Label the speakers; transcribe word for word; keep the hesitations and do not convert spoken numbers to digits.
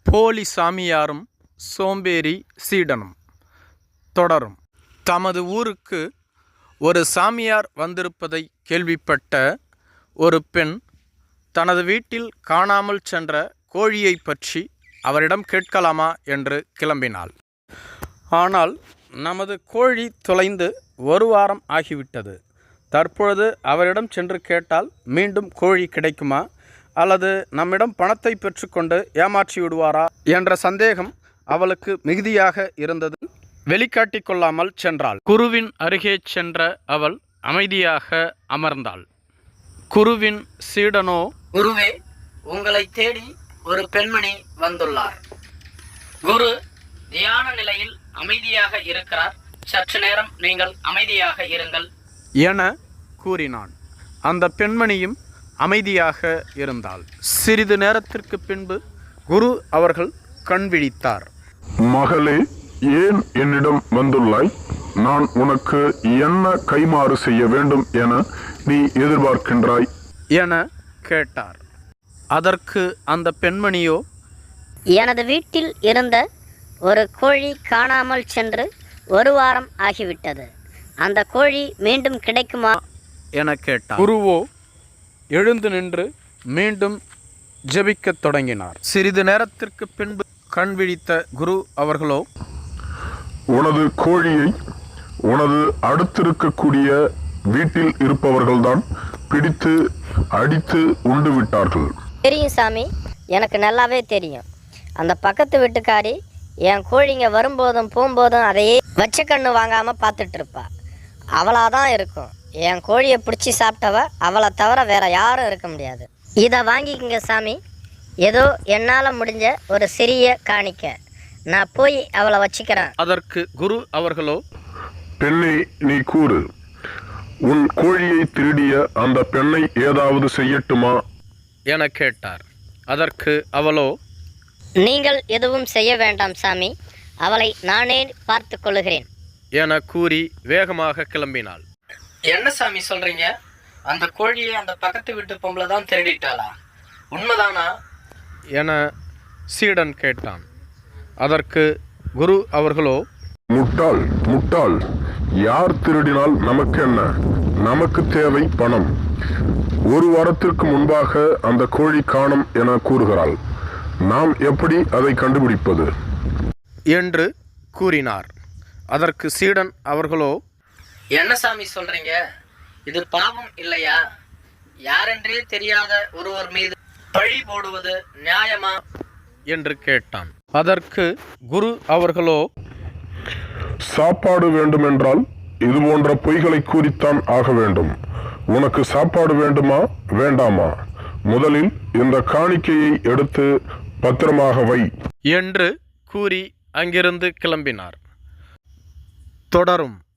Speaker 1: போலி சாமியாரும் சோம்பேறி சீடனும். தொடரும். தமது ஊருக்கு ஒரு சாமியார் வந்திருப்பதை கேள்விப்பட்ட ஒரு பெண் தனது வீட்டில் காணாமல் சென்ற கோழியை பற்றி அவரிடம் கேட்கலாமா என்று கிளம்பினாள். ஆனால் நமது கோழி தொலைந்து ஒரு வாரம் ஆகிவிட்டது. தற்பொழுது அவரிடம் சென்று கேட்டால் மீண்டும் கோழி கிடைக்குமா அல்லது நம்மிடம் பணத்தை பெற்றுக்கொண்டு ஏமாற்றி விடுவாரா என்ற சந்தேகம் அவளுக்கு மிகுதியாக இருந்தது. வெளிக்காட்டி கொள்ளாமல் சென்றாள். குருவின் அருகே சென்ற அவள் அமைதியாக அமர்ந்தாள். குருவின் சீடனோ,
Speaker 2: குருவே, உங்களை தேடி ஒரு பெண்மணி வந்துள்ளார். குரு தியான நிலையில் அமைதியாக இருக்கிறார். சற்று நேரம் நீங்கள் அமைதியாக இருங்கள்
Speaker 1: என கூறினான். அந்த பெண்மணியும் அமைதியாக இருந்தாள். சிறிது நேரத்திற்கு பின்பு குரு அவர்கள் கண் விழித்தார்.
Speaker 3: மகளே, ஏன் என்னிடம் வந்துள்ளாய்? நான் உனக்கு என்ன கைமாறு செய்ய வேண்டும் என நீ எதிர்பார்க்கின்றாய்
Speaker 1: என கேட்டார். அதற்கு அந்த பெண்மணியோ,
Speaker 4: எனது வீட்டில் இருந்த ஒரு கோழி காணாமல் சென்று ஒரு வாரம் ஆகிவிட்டது. அந்த கோழி மீண்டும் கிடைக்குமா
Speaker 1: என கேட்டார். குருவோ எழுந்து நின்று மீண்டும் ஜெபிக்கத் தொடங்கினார். சிறிது நேரத்திற்கு பின்பு கண் விழித்த குரு அவர்களோ,
Speaker 3: உனது கோழியை உனது அடுத்திருக்கக்கூடிய வீட்டில் இருப்பவர்கள்தான் பிடித்து அடித்து உண்டு விட்டார்கள்.
Speaker 4: தெரியும் சாமி, எனக்கு நல்லாவே தெரியும். அந்த பக்கத்து வீட்டுக்காரி என் கோழிங்க வரும்போதும் போகும்போதும் அதையே வச்ச கண்ணு வாங்காமல் பார்த்துட்டு இருப்பா. அவளாதான் இருக்கும். என் கோழியை பிடிச்சி சாப்பிட்டவ அவளை தவிர வேற யாரும் இருக்க முடியாது. இதை வாங்கிக்கங்க சாமி, ஏதோ என்னால் முடிஞ்ச ஒரு சிறிய காணிக்க. நான் போய் அவளை வச்சுக்கிறேன்.
Speaker 1: அதற்கு குரு அவர்களோ,
Speaker 3: பெண்ணே, நீ கூறு, உன் கோழியை திருடிய அந்த பெண்ணை ஏதாவது செய்யட்டுமா
Speaker 1: என கேட்டார். அதற்கு அவளோ,
Speaker 4: நீங்கள் எதுவும் செய்ய வேண்டாம் சாமி, அவளை நானே பார்த்து கொள்ளுகிறேன்
Speaker 1: என கூறி வேகமாக கிளம்பினாள்.
Speaker 2: என்ன சாமி சொல்றீங்க? அந்த கோழியை அந்த பக்கத்து வீட்டு பொம்பளை தான் திருடிட்டாளா? உண்மைதானா
Speaker 1: என சீடன் கேட்டான். அதற்கு குரு அவர்களோ,
Speaker 3: முட்டாள் முட்டாள் யார் திருடினால் நமக்கு என்ன? நமக்கு தேவை பணம். ஒரு வாரத்திற்கு முன்பாக அந்த கோழி காணும் என கூறுகிறாள். நாம் எப்படி அதை கண்டுபிடிப்பது
Speaker 2: என்று
Speaker 1: கூறினார். அதற்கு சீடன் அவர்களோ,
Speaker 2: என்ன சாமி சொல்றீங்க? இது பாவம் இல்லையா? யாரென்றே தெரியாத ஒருவர் மீது பழி போடுவது நியாயமா
Speaker 1: என்று கேட்டான். அதற்கு குரு அவர்களோ,
Speaker 3: சாப்பாடு வேண்டுமென்றால் இது போன்ற பொய்களை கூறித்தான் ஆக வேண்டும். உனக்கு சாப்பாடு வேண்டுமா வேண்டாமா? முதலில் இந்த காணிக்கையை எடுத்து பத்திரமாக வை
Speaker 1: என்று கூறி அங்கிருந்து கிளம்பினார். தொடரும்.